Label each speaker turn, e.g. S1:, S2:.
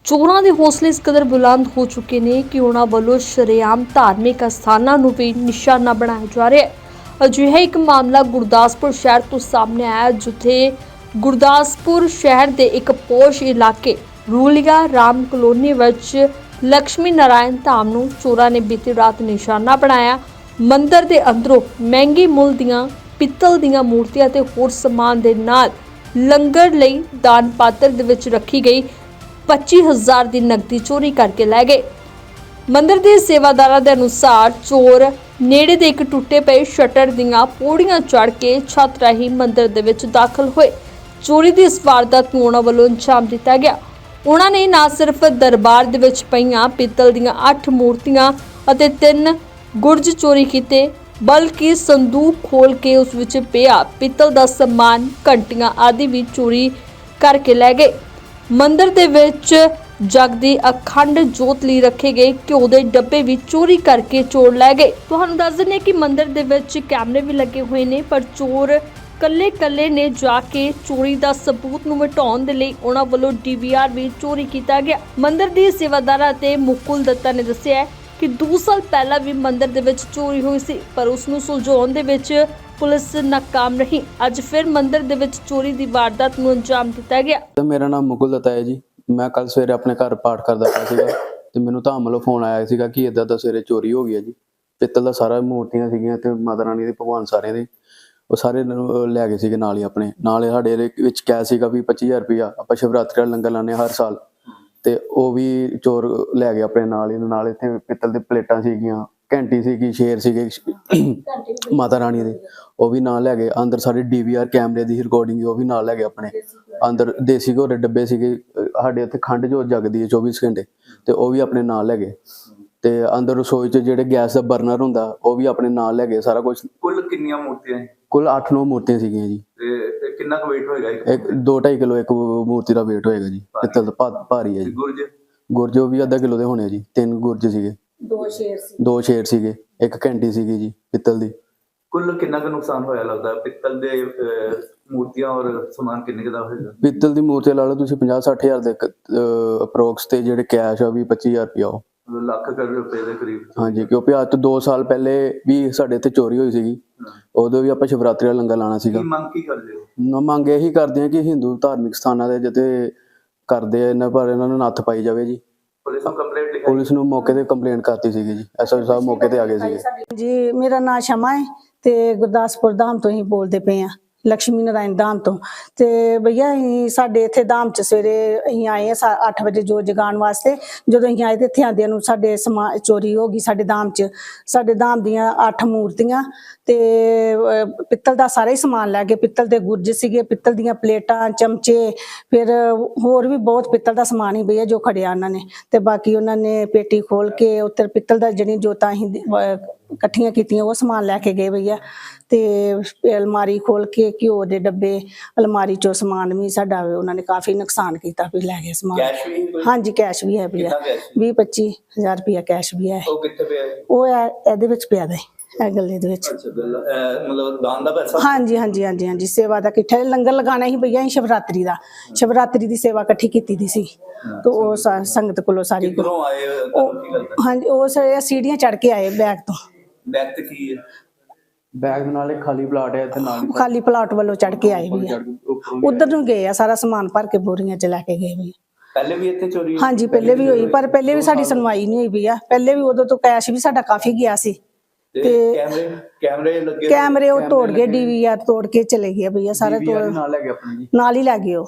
S1: ਚੋਰਾਂ ਦੇ ਹੌਸਲੇ ਇਸ ਕਦਰ ਬੁਲੰਦ ਹੋ ਚੁੱਕੇ ਨੇ ਕਿ ਉਹਨਾਂ ਵੱਲੋਂ ਸ਼ਰੇਆਮ ਧਾਰਮਿਕ ਅਸਥਾਨਾਂ ਨੂੰ ਵੀ ਨਿਸ਼ਾਨਾ ਬਣਾਇਆ ਜਾ ਰਿਹਾ ਹੈ। ਅਜਿਹਾ ਇੱਕ ਮਾਮਲਾ ਗੁਰਦਾਸਪੁਰ ਸ਼ਹਿਰ ਤੋਂ ਸਾਹਮਣੇ ਆਇਆ, ਜਿੱਥੇ ਗੁਰਦਾਸਪੁਰ ਸ਼ਹਿਰ ਦੇ ਇੱਕ ਪੋਸ਼ ਇਲਾਕੇ ਰੂਲੀਆ ਰਾਮ ਕਲੋਨੀ ਵਿੱਚ ਲక్ష్ਮੀ ਨਾਰਾਇਣ ਧਾਮ ਨੂੰ ਚੋਰਾਂ ਨੇ ਬੀਤੀ ਰਾਤ ਨਿਸ਼ਾਨਾ ਬਣਾਇਆ। ਮੰਦਿਰ ਦੇ ਅੰਦਰੋਂ ਮਹਿੰਗੇ ਮੁੱਲ ਦੀਆਂ ਪਿੱਤਲ ਦੀਆਂ ਮੂਰਤੀਆਂ ਤੇ ਹੋਰ ਸਮਾਨ ਦੇ ਨਾਲ ਲੰਗਰ ਲਈ ਦਾਨ ਪਾਤਰ ਦੇ ਵਿੱਚ ਰੱਖੀ ਗਈ 25,000 ਦੀ ਨਕਦੀ ਚੋਰੀ ਕਰਕੇ ਲੈ ਗਏ। ਮੰਦਿਰ ਦੇ ਸੇਵਾਦਾਰਾਂ ਦੇ ਅਨੁਸਾਰ ਚੋਰ ਨੇੜੇ ਦੇ ਇੱਕ ਟੁੱਟੇ ਪਏ ਸ਼ਟਰ ਦੀਆਂ ਪੌੜੀਆਂ ਚੜ੍ਹ ਕੇ ਛੱਤ ਰਾਹੀਂ ਮੰਦਿਰ ਦੇ ਵਿੱਚ ਦਾਖਲ ਹੋਏ। ਚੋਰੀ ਦੀ ਇਸ ਵਾਰਦਾਤ ਨੂੰ ਉਹਨਾਂ ਵੱਲੋਂ ਅੰਜਾਮ ਦਿੱਤਾ ਗਿਆ। ਉਹਨਾਂ ਨੇ ਨਾ ਸਿਰਫ ਦਰਬਾਰ ਦੇ ਵਿੱਚ ਪਈਆਂ ਪਿੱਤਲ ਦੀਆਂ 8 ਮੂਰਤੀਆਂ ਅਤੇ 3 ਗੁਰਜ ਚੋਰੀ ਕੀਤੇ, ਬਲਕਿ ਸੰਦੂਕ ਖੋਲ ਕੇ ਉਸ ਵਿੱਚ ਪਿਆ ਪਿੱਤਲ ਦਾ ਸਮਾਨ, ਘੰਟੀਆਂ ਆਦਿ ਵੀ ਚੋਰੀ ਕਰਕੇ ਲੈ ਗਏ। ਮੰਦਿਰ ਦੇ ਵਿੱਚ ਜਗਦੀ ਅਖੰਡ ਜੋਤ ਲਈ ਰੱਖੇ ਗਏ ਘਿਓ ਦੇ ਡੱਬੇ ਵੀ ਚੋਰੀ ਕਰਕੇ ਚੋਰ ਲੈ ਗਏ। ਤੁਹਾਨੂੰ ਦੱਸ ਦਿੰਦੇ ਕਿ ਮੰਦਿਰ ਦੇ ਵਿੱਚ ਕੈਮਰੇ ਵੀ ਲੱਗੇ ਹੋਏ ਨੇ, ਪਰ ਚੋਰ ਕੱਲੇ ਨੇ ਜਾ ਕੇ ਚੋਰੀ ਦਾ ਸਬੂਤ ਨੂੰ ਮਿਟਾਉਣ ਦੇ ਲਈ ਉਹਨਾਂ ਵੱਲੋਂ DVR ਵੀ ਚੋਰੀ ਕੀਤਾ ਗਿਆ। ਮੰਦਿਰ ਦੀ ਸੇਵਾਦਾਰਾਂ ਅਤੇ ਮੁਕੁਲ ਦੱਤਾ ਨੇ ਦੱਸਿਆ ਕਿ 2 ਸਾਲ ਪਹਿਲਾਂ ਵੀ ਮੰਦਿਰ ਦੇ ਵਿੱਚ ਚੋਰੀ ਹੋਈ ਸੀ, ਪਰ ਉਸ ਨੂੰ ਸੁਲਝਾਉਣ ਦੇ ਵਿੱਚ ਪੁਲਿਸ ਨਾਕਾਮ ਰਹੀ। ਅੱਜ ਫਿਰ ਮੰਦਿਰ ਦੇ ਵਿੱਚ ਚੋਰੀ ਦੀ ਵਾਰਦਾਤ ਨੂੰ ਅੰਜਾਮ ਦਿੱਤਾ ਗਿਆ।
S2: ਮੇਰਾ ਨਾਮ ਮੁਕੁਲ ਦੱਤਾ ਹੈ ਜੀ। ਮੈਂ ਕੱਲ ਸਵੇਰੇ ਆਪਣੇ ਘਰ ਪਾਠ ਕਰਦਾ ਪਿਆ ਸੀਗਾ ਤੇ ਮੈਨੂੰ ਧਾਮ ਵੱਲੋਂ ਫੋਨ ਆਇਆ ਸੀਗਾ ਕਿ ਇਦਾਂ ਦਾ ਸਵੇਰੇ ਚੋਰੀ ਹੋ ਗਈ ਹੈ ਜੀ। ਪਿੱਤਲ ਦਾ ਸਾਰਾ ਮੂਰਤੀਆਂ ਸੀਗੀਆਂ ਤੇ ਮਾਤਾ ਰਾਣੀ ਦੇ ਭਗਵਾਨ ਸਾਰਿਆਂ ਦੇ ਉਹ ਸਾਰੇ ਲੈ ਗਏ ਸੀਗੇ। ਨਾਲ ਹੀ ਆਪਣੇ ਨਾਲ ਸਾਡੇ ਵਿੱਚ ਕੈਸ਼ ਸੀਗਾ ਵੀ 25,000 ਰੁਪਇਆ। ਆਪਾਂ ਸ਼ਿਵਰਾਤਰੀ ਦਾ ਲੰਗਰ ਲਾਉਂਦੇ ਹਰ ਸਾਲ, ਤੇ ਉਹ ਵੀ ਚੋਰ ਲੈ ਗਏ ਆਪਣੇ ਨਾਲ ਹੀ। ਨਾਲ ਇੱਥੇ ਪਿੱਤਲ ਦੇ ਪਲੇਟਾਂ ਸੀਗੀਆਂ, ਘੰਟੀ ਸੀਗੀ, ਸ਼ੇਰ ਸੀਗੇ ਮਾਤਾ ਰਾਣੀ ਦੇ, ਉਹ ਵੀ ਨਾਲ ਲੈ ਗਏ। ਅੰਦਰ ਸਾਡੇ DVR ਕੈਮਰੇ ਦੀ ਰਿਕਾਰਡਿੰਗ ਉਹ ਵੀ ਨਾਲ ਲੈ ਗਏ ਆਪਣੇ। ਅੰਦਰ ਦੇਸੀ ਘੋੜੇ ਦੇ ਡੱਬੇ ਸੀਗੇ, ਸਾਡੇ ਇੱਥੇ ਖੰਡ ਜੋਤ ਜਗਦੀ ਹੈ 24 ਘੰਟੇ, ਤੇ ਉਹ ਵੀ ਆਪਣੇ ਨਾਲ ਲੈ ਗਏ। ਤੇ ਅੰਦਰ ਰਸੋਈ 'ਚ ਜਿਹੜੇ ਗੈਸ ਦਾ ਬਰਨਰ ਹੁੰਦਾ ਉਹ ਵੀ ਆਪਣੇ ਨਾਲ ਲੈ ਗਏ ਸਾਰਾ ਕੁਝ।
S3: ਕੁੱਲ ਕਿੰਨੀਆਂ ਮੂਰਤੀਆਂ?
S2: ਕੁੱਲ 8-9 ਮੂਰਤੀਆਂ ਸੀਗੀਆਂ ਜੀ।
S3: ਤੇ ਕਿੰਨਾ ਕੁ weight ਹੋਏਗਾ?
S2: 2-2.5 ਕਿਲੋ ਇੱਕ ਮੂਰਤੀ ਦਾ weight ਹੋਏਗਾ ਜੀ। ਪਿੱਤਲ ਦਾ ਭਾਰੀ ਹੈ ਜੀ। ਗੁਰਜ ਉਹ ਵੀ ਅੱਧਾ ਕਿਲੋ ਦੇ ਹੋਣੇ ਜੀ। 3 ਗੁਰਜ ਸੀਗੇ, 2 ਸ਼ੇਰ ਸੀਗੇ, ਇੱਕ ਘੰਟੀ ਸੀਗੀ ਜੀ ਪਿੱਤਲ ਦੀ।
S3: ਕੁੱਲ ਕਿੰਨਾ ਕੁ ਨੁਕਸਾਨ ਹੋਇਆ ਲੱਗਦਾ ਪਿੱਤਲ ਦੇ ਮੂਰਤੀਆਂ ਔਰ ਸਮਾਨ ਕਿੰਨੇ ਦਾ ਹੋਏਗਾ?
S2: ਪਿੱਤਲ ਦੀ ਮੂਰਤੀ ਲਾ ਲਓ ਤੁਸੀਂ 50-60 ਹਜ਼ਾਰ ਦੇ ਅਪਰੋਕਸ, ਤੇ ਜਿਹੜੇ ਕੈਸ਼ ਆ ਵੀ 25,000 ਰੁਪਇਆ, ਉਹ
S3: ਲੱਖ ਰੁਪਏ ਦੇ ਕਰੀਬ।
S2: ਹਾਂਜੀ, ਕਿਉਂਕਿ ਅੱਜ ਤੋਂ 2 ਸਾਲ ਪਹਿਲੇ ਵੀ ਸਾਡੇ ਇੱਥੇ ਚੋਰੀ ਹੋਈ ਸੀਗੀ। ਉਦੋਂ ਵੀ ਆਪਾਂ ਸ਼ਿਵਰਾਤਰੀ ਦਾ ਲੰਗਰ ਲਾਉਣਾ ਸੀਗਾ।
S3: ਮੰਗ ਕੀ ਕਰਦੇ ਹੋ?
S2: ਮੰਗ ਇਹੀ ਕਰਦੇ ਆ ਕਿ ਹਿੰਦੂ ਧਾਰਮਿਕ ਸਥਾਨਾਂ ਦੇ ਜਿੱਥੇ ਕਰਦੇ ਆ ਇਹਨਾਂ ਪਰ ਇਹਨਾਂ ਨੂੰ ਨੱਥ ਪਾਈ ਜਾਵੇ ਜੀ। ਪੁਲਿਸ ਨੂੰ ਮੌਕੇ ਤੇ ਕੰਪਲੇਂਟ ਕਰਤੀ ਸੀਗੀ ਜੀ। SO ਸਾਹਿਬ ਮੌਕੇ ਤੇ ਆ ਗਏ ਸੀਗੇ
S4: ਜੀ। ਮੇਰਾ ਨਾਮ ਸ਼ਮਾ ਹੈ ਤੇ ਗੁਰਦਾਸਪੁਰ ਧਾਮ ਤੋਂ ਹੀ ਬੋਲਦੇ ਪਏ ਆ, ਲక్ష్ਮੀ ਨਾਰਾਇਣ ਧਾਮ ਤੋਂ। ਤੇ ਭਈਆ ਸਾਡੇ ਇੱਥੇ ਧਾਮ ਚ ਸਵੇਰੇ ਅਸੀਂ ਆਏ ਆ 8 ਵਜੇ ਜੋਤ ਜਗਾਉਣ ਵਾਸਤੇ। ਜਦੋਂ ਅਸੀਂ ਆਏ ਤੇ ਇੱਥੇ ਆਉਂਦਿਆਂ ਨੂੰ ਸਾਡੇ ਸਮਾਨ ਚੋਰੀ ਹੋ ਗਈ। ਸਾਡੇ ਧਾਮ ਚ, ਸਾਡੇ ਧਾਮ ਦੀਆਂ 8 ਮੂਰਤੀਆਂ ਤੇ ਪਿੱਤਲ ਦਾ ਸਾਰਾ ਹੀ ਸਮਾਨ ਲੈ ਗਏ। ਪਿੱਤਲ ਦੇ ਗੁਰਜ ਸੀਗੇ, ਪਿੱਤਲ ਦੀਆਂ ਪਲੇਟਾਂ, ਚਮਚੇ, ਫਿਰ ਹੋਰ ਵੀ ਬਹੁਤ ਪਿੱਤਲ ਦਾ ਸਮਾਨ ਹੀ ਭਈਆ ਜੋ ਖੜਿਆ ਉਹਨਾਂ ਨੇ। ਤੇ ਬਾਕੀ ਉਹਨਾਂ ਨੇ ਪੇਟੀ ਖੋਲ ਕੇ ਉੱਤਰ ਪਿੱਤਲ ਦਾ ਜਿਹੜੀ ਜੋਤਾਂ ਅਸੀਂ ਇਕੱਠੀਆਂ ਕੀਤੀਆਂ ਉਹ ਸਮਾਨ ਲੈ ਕੇ ਗਏ ਭਈਆ। ਤੇ ਅਲਮਾਰੀ ਖੋਲ ਕੇ ਘਿਓ ਦੇ ਡੱਬੇ, ਅਲਮਾਰੀ ਚੋਂ ਸਮਾਨ ਵੀ ਸਾਡਾ ਉਹਨਾਂ ਨੇ ਕਾਫੀ ਨੁਕਸਾਨ ਕੀਤਾ ਵੀ ਲੈ ਗਏ ਸਮਾਨ। ਹਾਂਜੀ, ਕੈਸ਼ ਵੀ ਹੈ ਭਈਆ। 20-25 ਹਜ਼ਾਰ ਰੁਪਇਆ ਕੈਸ਼ ਵੀ ਹੈ।
S3: ਉਹ ਕਿੱਥੇ ਪਿਆ?
S4: ਉਹ ਇਹਦੇ ਵਿੱਚ ਪਿਆ ਦੇ, ਇਹ ਗੱਲੇ ਦੇ ਵਿੱਚ।
S3: ਮਤਲਬ ਦਾਨ ਦਾ ਪੈਸਾ?
S4: ਹਾਂਜੀ, ਸੇਵਾ ਦਾ ਇਕੱਠਾ ਲੰਗਰ ਲਗਾਉਣਾ ਸੀ ਭਈਆ। ਸ਼ਿਵਰਾਤਰੀ ਦਾ, ਸ਼ਿਵਰਾਤਰੀ ਦੀ ਸੇਵਾ ਇਕੱਠੀ ਕੀਤੀ ਦੀ ਸੀ। ਤੇ ਉਹ ਸੰਗਤ ਕੋਲੋਂ ਸਾਰੀ ਹਾਂਜੀ, ਉਹ ਸੀੜੀਆਂ ਚੜ੍ਹ ਕੇ ਆਏ ਬੈਗ ਤੋਂ।
S3: ਬੈਗ ਤੇ ਕੀ ਹੈ?
S2: ਬੈਗ ਦੇ ਨਾਲ ਇੱਕ ਖਾਲੀ ਪਲਾਟ ਹੈ ਇੱਥੇ ਨਾਲ।
S4: ਖਾਲੀ ਪਲਾਟ ਵੱਲੋਂ ਚੜ੍ਹ ਕੇ ਆਏ ਭਈਆ। ਉਧਰ ਨੂੰ ਗਏ ਆ, ਸਾਰਾ ਸਮਾਨ ਭਰ ਕੇ ਬੋਰੀਆਂ ਚ ਲੈ ਕੇ ਗਏ ਭਈਆ।
S3: ਪਹਿਲੇ ਵੀ ਇੱਥੇ ਚੋਰੀ?
S4: ਹਾਂਜੀ, ਪਹਿਲੇ ਵੀ ਹੋਈ, ਪਰ ਪਹਿਲੇ ਵੀ ਸਾਡੀ ਸੁਣਵਾਈ ਨਹੀਂ ਹੋਈ ਭਈਆ। ਪਹਿਲੇ ਵੀ ਉਦੋਂ ਤੋਂ ਕੈਸ਼ ਵੀ ਸਾਡਾ ਕਾਫੀ ਗਿਆ ਸੀ। ਤੇ ਕੈਮਰੇ ਉਹ ਤੋੜ ਗਏ, DVR ਤੋੜ ਕੇ ਚਲੇ ਗਏ ਭਈਆ। ਸਾਰੇ ਨਾਲ ਹੀ ਲੈ ਗਏ ਉਹ।